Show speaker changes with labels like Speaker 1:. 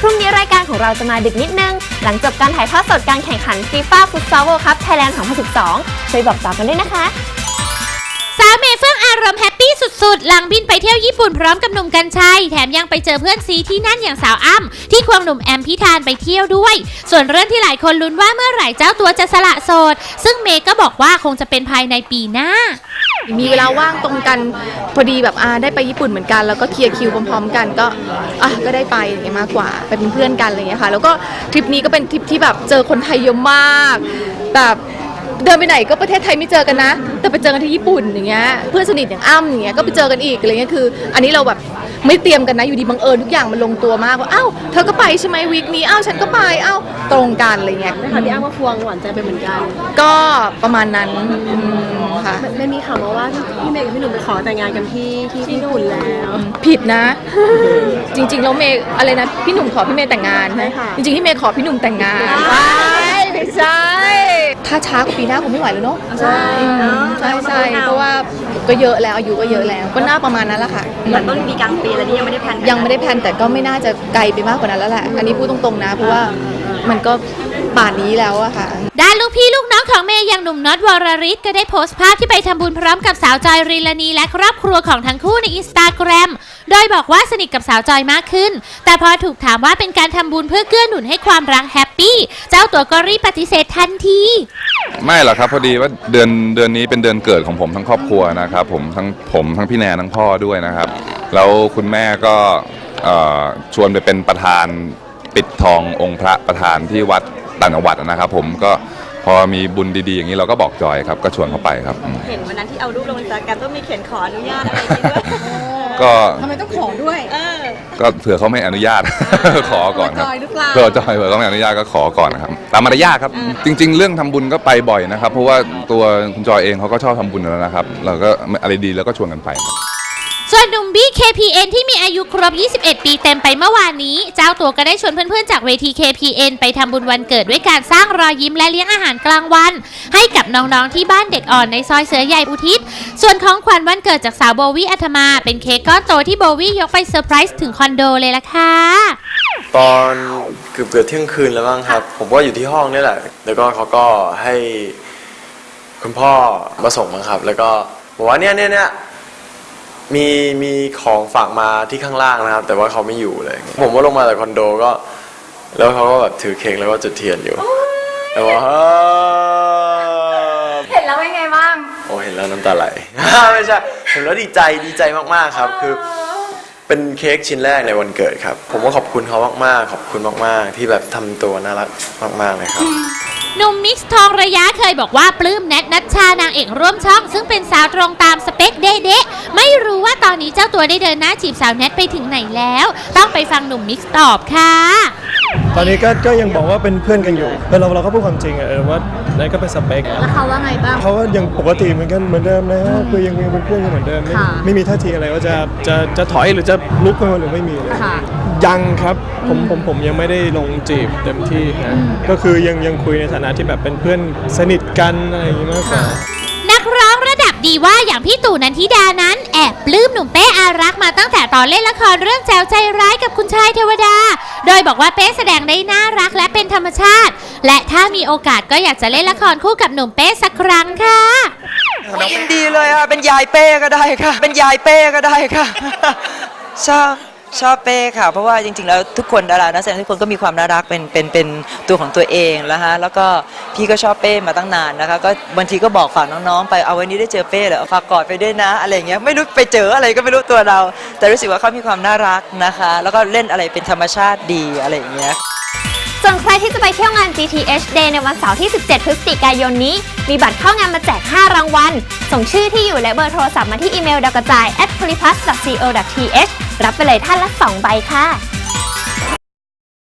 Speaker 1: รุ่งนี้รายการของเราจะมาดึกนิดนึงหลังจบการถ่ายทอดสดการแข่งขัน FIFA Futsal World Cup Thailand 2012 ช่วยบอกต่อกันด้วยนะคะ
Speaker 2: สาวเมย์เฟื่องอารมณ์แฮปปี้สุดๆหลังบินไปเที่ยวญี่ปุ่นพร้อมกับหนุ่มกรรชัยแถมยังไปเจอเพื่อนซีที่นั่นอย่างสาวอ้ำที่ควงหนุ่มแอมพิธานไปเที่ยวด้วยส่วนเรื่องที่หลายคนลุ้นว่าเมื่อไหร่เจ้าตัวจะสละโสดซึ่งเมย์ก็บอกว่าคงจะเป็นภายในปีหน้า
Speaker 3: มีเวลาว่างตรงกันพอดีแบบได้ไปญี่ปุ่นเหมือนกันแล้วก็เคลียร์คิวพร้อมๆกันก็ได้ไปอย่างเงี้ยมากกว่าไปเป็นเพื่อนกันอะไรเงี้ยค่ะแล้วก็ทริปนี้ก็เป็นทริปที่แบบเจอคนไทยเยอะมากแบบเดินไปไหนก็ประเทศไทยไม่เจอกันนะแต่ไปเจอกันที่ญี่ปุ่นอย่างเงี้ยเพื่อนสนิทอย่างอ้ำอย่างเงี้ยก็ไปเจอกันอีกอะไรเงี้ยคืออันนี้เราแบบไม่เตรียมกันนะอยู่ดีบังเอิญทุกอย่างมันลงตัวมากว่าอ้าวเธอก็ไปใช่ไหมวีคนี้อ้าวฉันก็ไปอ้าวตรงกันอะไรเงี้ย
Speaker 4: นะคะพี่อ้ำก็ควงหวานใจไปเหมือนกัน
Speaker 3: ก็ประมาณนั้นค่ะ
Speaker 4: ไม่มีข่าวมาว่าพี่เมย์กับพี่หนุ่มไปขอแต่งงานกันที่ญี่ปุ่นแล้ว
Speaker 3: ผิดนะจริงๆแล้วเมย์อะไรนะพี่หนุ่มขอพี่เมย์แต่งงานจริงๆพี่เมย์ขอพี่หนุ่มแต่งงานไม่ใช่ถ้าช้ากว่าปีหน้าคงไม่ไหวแล้วเนาะ
Speaker 4: ใช่
Speaker 3: เพราะว่าก็เยอะแล้วอายุก็เยอะแล้วก็น่าประมาณนั้นแหละค่ะ
Speaker 4: แต่ต้องมีกลางปีแล้วนี่ยังไม่ได้แพล
Speaker 3: นแต่ก็ไม่น่าจะไกลไปมากกว่านั้นแล้วแหละอันนี้พูดตรงๆนะเพราะว่ามันก็ป่านนี้แล้วอะค่ะ
Speaker 2: ด้านลูกพี่ลูกน้องของเมย์อย่างหนุ่มน็อตวรริศก็ได้โพสต์ภาพที่ไปทำบุญพร้อมกับสาวจอยรีลานีและครอบครัวของทั้งคู่ใน Instagram โดยบอกว่าสนิทกับสาวจอยมากขึ้นแต่พอถูกถามว่าเป็นการทำบุญเพื่อเกื้อหนุนให้ความรักแฮปปี้เจ้าตัวก็รีบปฏิเสธทันที
Speaker 5: ไม่หรอกครับพอดีว่าเดือนนี้เป็นเดือนเกิดของผมทั้งครอบครัวนะครับผมทั้งพี่แนนทั้งพ่อด้วยนะครับแล้วคุณแม่ก็ชวนไปเป็นประธานปิดทององค์พระประธานที่วัดต่างจังหวัดนะครับผมก็พอมีบุญดีๆอย่างนี้เราก็บอกจอยครับก็ชวนเขาไปครับ
Speaker 4: เห็นวันนั้นที่เอารูปลงInstagramต้องมีเขียนขออนุญาตอะไรอย่างนี้ด้วย
Speaker 5: ก็
Speaker 4: ทำไมต้องขอด้วย
Speaker 5: ก็เผื่อเขาไม่อนุญาต ขอก่อนครับเผื่อจอยเขาไม่อนุญาตก็ขอก่อนนะครับตามมารยาทครับจริงๆเรื่องทำบุญก็ไปบ่อยนะครับเพราะว่าตัวคุณจอยเองเขาก็ชอบทำบุญแล้วนะครับเราก็อะไรดีแล้วก็ชวนกันไป
Speaker 2: ส่วนหนุ่มบี้ KPN ที่มีอายุครบ 21 ปีเต็มไปเมื่อวานนี้เจ้าตัวก็ได้ชวนเพื่อนๆจากเวที KPN ไปทำบุญวันเกิดด้วยการสร้างรอยยิ้มและเลี้ยงอาหารกลางวันให้กับน้องๆที่บ้านเด็กอ่อนในซอยเสือใหญ่อุทิศส่วนของขวัญวันเกิดจากสาวโบวี่อัธมาเป็นเค้กก้อนโตที่โบวี่ยกไปเซอร์ไพรส์ถึงคอนโดเลยล่ะค่ะ
Speaker 6: ตอนเกือบเที่ยงคืนแล้วบ้างครับผมก็อยู่ที่ห้องนี่แหละแล้วก็เขาก็ให้คุณพ่อมาส่งมาครับแล้วก็บอกว่าเนี่ยมีของฝากมาที่ข้างล่างนะครับแต่ว่าเขาไม่อยู่เลยผมก็ลงมาจากคอนโดก็แล้วเขาก็แบบถือเค้กแล้วก็จุดเทียนอยู่แต่ว่า
Speaker 1: เห็นแล้วเป็นไงบ้าง
Speaker 6: โอ้เห็นแล้วน้ำตาไหลไม่ใช่เห็นแล้วดีใจมากๆครับคือเป็นเค้กชิ้นแรกในวันเกิดครับผมก็ขอบคุณเขามากๆขอบคุณมากๆที่แบบทำตัวน่ารักมากๆเลยครับ
Speaker 2: หนุ่มมิกซ์ทองระยะเคยบอกว่าปลื้มแนทนัชชานางเอกร่วมช่องซึ่งเป็นสาวตรงตามสเปคเด๊ะไม่รู้ว่าตอนนี้เจ้าตัวได้เดินหน้าจีบสาวแนทไปถึงไหนแล้วต้องไปฟังหนุ่มมิกซ์ตอบค่ะ
Speaker 7: ตอนนี้ก็ยังบอกว่าเป็นเพื่อนกันอยู่เราก็พูดความจริงว่าแนทก็เป็นสเปค
Speaker 4: แล้วเขาว่าไงบ้าง
Speaker 7: เขาว่ายังปกติเหมือนเดิมนะคือยังเป็นเพื่อนกันเหมือนเดิมไม่มีท่าทีอะไรว่าจะถอยหรือจะลุกไปหรือไม่มียังครับผมยังไม่ได้ลงจีบเต็มที่นะก็คือยังคุยในฐานะที่แบบเป็นเพื่อนสนิทกันอะไรอย่างนี้มากกว่า
Speaker 2: นักร้องระดับดีว่าอย่างพี่ตู่นันทิดานั้นแอบปลื้มหนุ่มเป้อารักษ์มาตั้งแต่ตอนเล่นละครเรื่องแจ๋วใจร้ายกับคุณชายเทวดาโดยบอกว่าเป้แสดงได้น่ารักและเป็นธรรมชาติและถ้ามีโอกาสก็อยากจะเล่นละครคู่กับหนุ่มเป้สักครั้งค่ะ
Speaker 8: ยินดีเลยค่ะเป็นยายเป้ก็ได้ค่ะเป็นยายเป้ก็ได้ค่ะชอบเป้ค่ะเพราะว่าจริงๆแล้วทุกคนดารานักแสดงทุกคนก็มีความน่ารักเป็นตัวของตัวเองแล้วฮะแล้วก็พี่ก็ชอบเป้มาตั้งนานนะคะก็บางทีก็บอกฝากน้องๆไปเอาวันนี้ได้เจอเป้เหรอฝากกอดไปด้วยนะอะไรอย่างเงี้ยไม่รู้ไปเจออะไรก็ไม่รู้ตัวเราแต่รู้สึกว่าเขามีความน่ารักนะคะแล้วก็เล่นอะไรเป็นธรรมชาติดีอะไรอย่างเงี้ย
Speaker 1: ส่วนใครที่จะไปเที่ยวงาน GTH Day ในวันเสาร์ที่ 17 พฤศจิกายนนี้มีบัตรเข้างานมาแจก 5 รางวัลส่งชื่อที่อยู่และเบอร์โทรศัพท์มาที่อีเมลดาวกระจาย @polyplus.co.th รับไปเลยท่านละ 2 ใบค่ะ